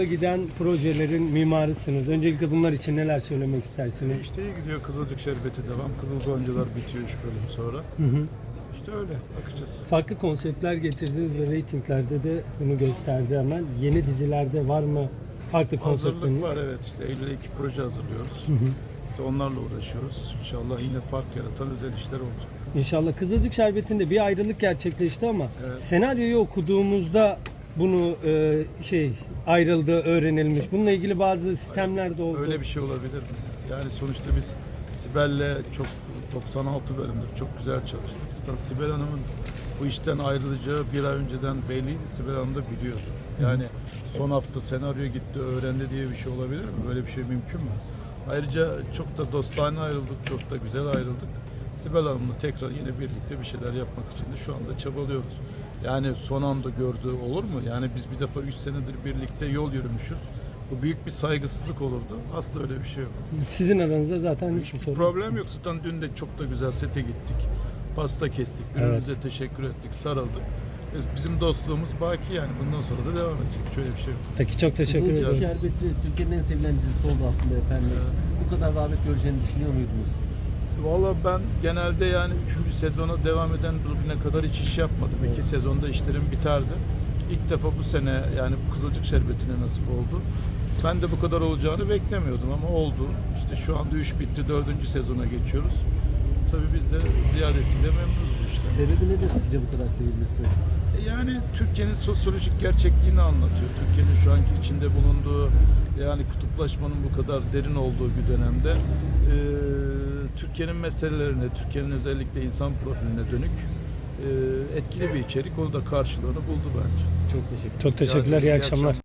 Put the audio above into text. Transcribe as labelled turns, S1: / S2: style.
S1: Giden projelerin mimarısınız. Öncelikle bunlar için neler söylemek istersiniz?
S2: İşte iyi gidiyor. Kızılcık Şerbeti devam. Kızıl Goncalar bitiyor 3 bölüm sonra. İşte öyle. Bakacağız.
S1: Farklı konseptler getirdiniz ve reytinglerde de bunu gösterdi hemen. Yeni dizilerde var mı farklı konseptleriniz?
S2: Hazırlık var, evet. İşte Eylül'e 2 proje hazırlıyoruz. İşte onlarla uğraşıyoruz. İnşallah yine fark yaratan özel işler olacak.
S1: İnşallah. Kızılcık Şerbeti'nde bir ayrılık gerçekleşti ama
S2: Evet.
S1: senaryoyu okuduğumuzda bunu ayrıldığı öğrenilmiş. Bununla ilgili bazı sistemler de oldu.
S2: Öyle bir şey olabilir mi? Yani sonuçta biz Sibel'le çok 96 bölümdür çok güzel çalıştık. Zaten Sibel Hanım'ın bu işten ayrılacağı bir ay önceden belliydi. Sibel Hanım da biliyordu. Yani son hafta senaryo gitti, öğrendi diye bir şey olabilir mi? Böyle bir şey mümkün mü? Ayrıca çok da dostane ayrıldık, çok da güzel ayrıldık. Sibel Hanım'la tekrar yine birlikte bir şeyler yapmak için de şu anda çabalıyoruz. Yani son anda gördüğü olur mu? Yani biz bir defa 3 senedir birlikte yol yürümüşüz. Bu büyük bir saygısızlık olurdu. Asla öyle bir şey yok.
S1: Sizin aranızda zaten hiçbir sorun yok.
S2: Problem yok. Zaten dün de çok da güzel sete gittik. Pasta kestik. Birbirimize teşekkür ettik. Sarıldık. Bizim dostluğumuz baki yani. Bundan sonra da devam edecek. Şöyle bir şey yok.
S1: Peki çok teşekkür
S3: Kızılcık
S1: ederim.
S3: Şerbeti Türkiye'nin en sevilen dizisi oldu aslında efendim. Siz bu kadar rağbet göreceğini düşünüyor muydunuz?
S2: Valla ben genelde yani 3. sezona devam eden bugüne kadar hiç iş yapmadım. 2 sezonda işlerim biterdi. İlk defa bu sene yani bu Kızılcık Şerbeti'ne nasip oldu. Ben de bu kadar olacağını beklemiyordum ama oldu. İşte şu anda 3 bitti, 4. sezona geçiyoruz. Tabii biz de ziyadesiyle memnunuz bu işten.
S3: Sebebi nedir sizce bu kadar sevilmesi?
S2: Yani Türkiye'nin sosyolojik gerçekliğini anlatıyor. Türkiye'nin şu anki içinde bulunduğu yani kutuplaşmanın bu kadar derin olduğu bir dönemde Türkiye'nin meselelerine, Türkiye'nin özellikle insan profiline dönük etkili bir içerik. Onu da karşılığını buldu bence.
S3: Çok teşekkür ederim.
S1: Çok teşekkürler. İyi akşamlar.